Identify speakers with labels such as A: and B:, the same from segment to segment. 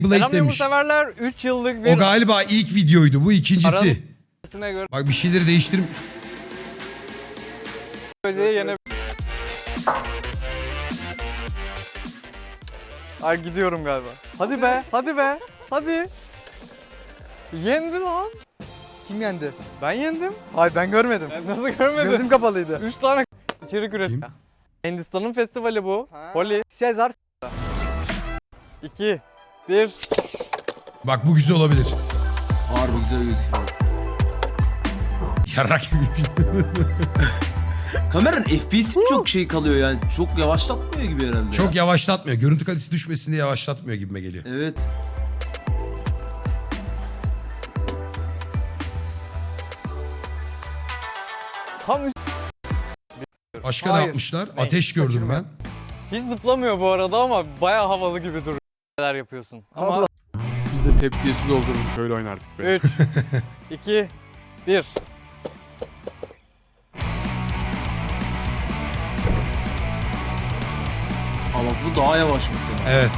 A: Blade
B: Selam
A: demiş.
B: severler 3 yıllık bir
A: O galiba ilk videoydu. Bu ikincisi.
B: arasına göre
A: Bak bir şeyleri değiştirim.
B: böceği yene... Ay gidiyorum galiba. Hadi be, hadi be, hadi. Yendi lan.
C: Kim yendi?
B: Ben yendim.
C: Hayır ben görmedim.
B: Ben nasıl görmedin?
C: Gözüm kapalıydı.
B: 3 tane içerik üret.
A: Kim?
B: Hindistan'ın festivali bu. Holi.
C: Sezar.
B: 2, 1.
A: Bak bu güzel olabilir.
D: Harbi güzel gözüküyor.
A: Yarrak gibi bir şey.
D: Kameranın FPS'i mi çok şey kalıyor yani? Çok yavaşlatmıyor gibi herhalde.
A: Çok yavaşlatmıyor. Görüntü kalitesi düşmesin diye yavaşlatmıyor gibime geliyor.
D: Evet.
B: Tam
A: Başka ne
C: Hayır.
A: yapmışlar?
B: Ne?
A: Ateş gördüm
C: Kaçırma.
A: ben.
B: hiç zıplamıyor bu arada ama bayağı havalı gibi duruyor. Neler yapıyorsun. Ama
C: Allah.
E: Biz de tepsiye su doldururduk öyle oynardık be.
B: 3, 2, 1.
D: Ama bu daha yavaş mesela.
A: Evet.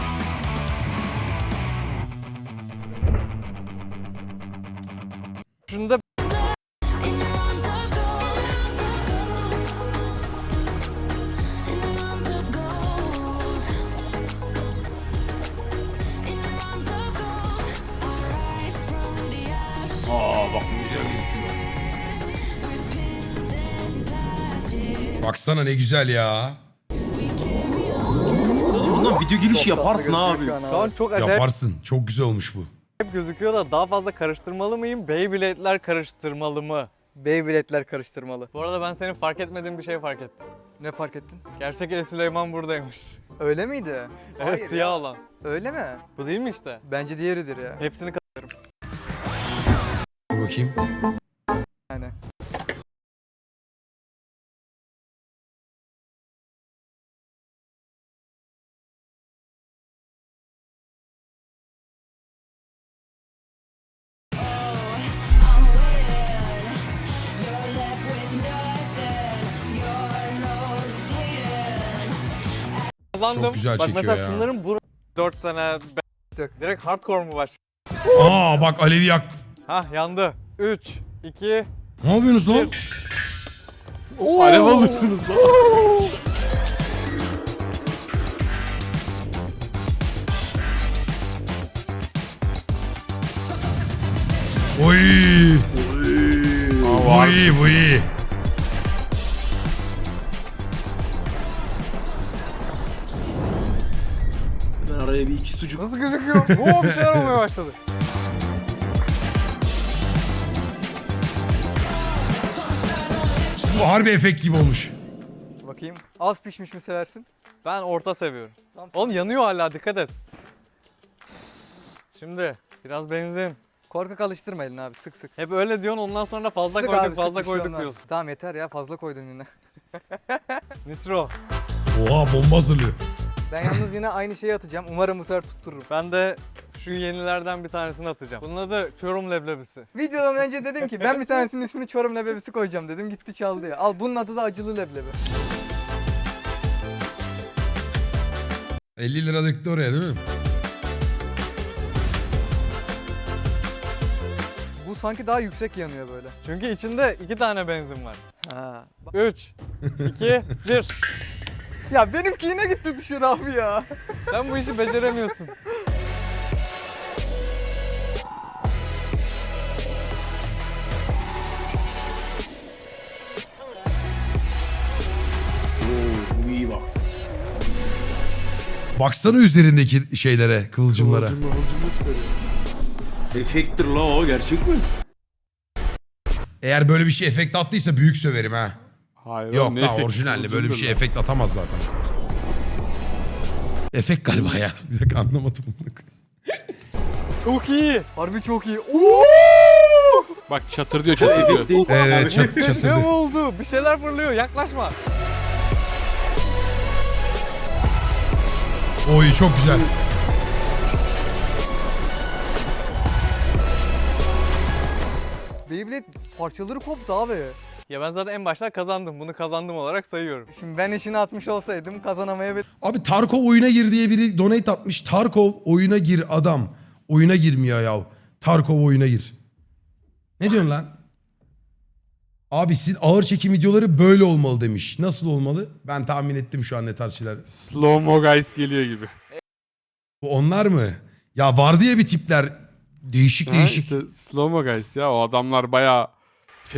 B: Şunda
F: In your arms of gold, in your arms of gold, in your arms of gold, I rise from the ashes
D: Aa bak bu güzel gözüküyor.
F: with pins and patches.
A: Baksana ne güzel ya.
D: Bundan video girişi yaparsın
C: Tatlı
D: abi.
C: gözüküyor
B: şu an çok acayip
A: Yaparsın. Çok güzel olmuş bu.
B: gözüküyor da daha fazla karıştırmalı mıyım? Beyblade'ler karıştırmalı mı?
C: Beyblade'ler karıştırmalı.
B: Bu arada ben senin fark etmediğin bir şey fark ettim.
C: Ne fark ettin?
B: Gerçek El Süleyman buradaymış.
C: Öyle miydi?
B: Evet,
C: Hayır
B: siyah
C: ya.
B: olan.
C: Öyle mi?
B: Bu değil mi işte?
C: Bence diğeridir ya.
B: Hepsini
A: Dur bakayım.
C: Yani.
B: kazandım.
A: Çok güzel
B: Bak
A: çekiyor
B: mesela
A: ya.
B: şunların 4 sene direkt hardcore mu başladı?
A: Aa bak Alevi yak.
B: Hah yandı. 3, 2,
A: Ne yapıyorsunuz lan?
E: Alev alırsınız lan.
A: Oy.
E: Var.
A: Bu iyi bu iyi.
D: Ben araya bir iki sucuk.
B: nasıl gözüküyor? Oo bir şeyler olmaya başladı.
A: Bu harbi efekt gibi olmuş.
C: Bakayım. Az pişmiş mi seversin?
B: Ben orta seviyorum.
C: Tamam.
B: Oğlum yanıyor hala, dikkat et. Şimdi biraz benzin.
C: Korkak alıştırma elini abi sık sık.
B: Hep öyle diyorsun, ondan sonra fazla
C: Sık
B: koyduk
C: abi, sık,
B: fazla
C: bir şey
B: koyduk
C: olmaz.
B: diyorsun.
C: Tamam yeter ya fazla koydun yine.
B: Nitro.
A: Oha bomba hazırlıyor.
C: Ben yalnız yine aynı şeyi atacağım. Umarım bu sefer tuttururum.
B: Ben de şu yenilerden bir tanesini atacağım. Bunun adı Çorum leblebisi.
C: Videodan önce dedim ki ben bir tanesinin ismini Çorum leblebisi koyacağım dedim. Gitti çaldı ya. Al bunun adı da acılı leblebi.
A: 50 lira döktü oraya değil mi?
C: Bu sanki daha yüksek yanıyor böyle.
B: Çünkü içinde 2 tane benzin var.
C: Ha.
B: 3, 2, 1.
C: Ya benimki yine gitti dışarı abi ya.
B: Sen bu işi beceremiyorsun.
D: Oo bu iyi bak.
A: Baksana üzerindeki şeylere, kıvılcımlara.
E: Kıvılcımlı çıkarıyor.
D: Efekttir la o, gerçek mi?
A: Eğer böyle bir şey efekt attıysa büyük söverim ha.
E: Hayır,
A: Yok
E: oğlum, ne
A: daha
E: efekti,
A: orijinalde böyle bir
E: kıvılcımdır
A: şey
E: lan.
A: efekt atamaz zaten. Efekt galiba ya. Bir dakika anlamadım.
B: Çok iyi.
C: Harbi çok iyi. Oo!
E: Bak çatır diyor çatır diyor.
D: Efekt değil.
A: Evet çat,
B: Ne
A: çatırdı.
B: oldu? Bir şeyler fırlıyor. Yaklaşma.
A: Oy çok güzel.
C: Beyblade parçaları koptu abi.
B: Ya ben zaten en başta kazandım. Bunu kazandım olarak sayıyorum.
C: Şimdi ben işini atmış olsaydım kazanamayabilirdim.
A: Abi Tarkov oyuna gir diye biri donate atmış. Tarkov oyuna gir adam. Oyuna girmiyor ya. Tarkov oyuna gir. Ne diyorsun lan? Abi sizin ağır çekim videoları böyle olmalı demiş. Nasıl olmalı? Ben tahmin ettim şu an ne tarz şeyler.
E: Slow mo guys geliyor gibi.
A: Bu onlar mı? Ya vardı ya bir tipler. Değişik
E: Ha,
A: değişik.
E: işte slow mo guys ya o adamlar bayağı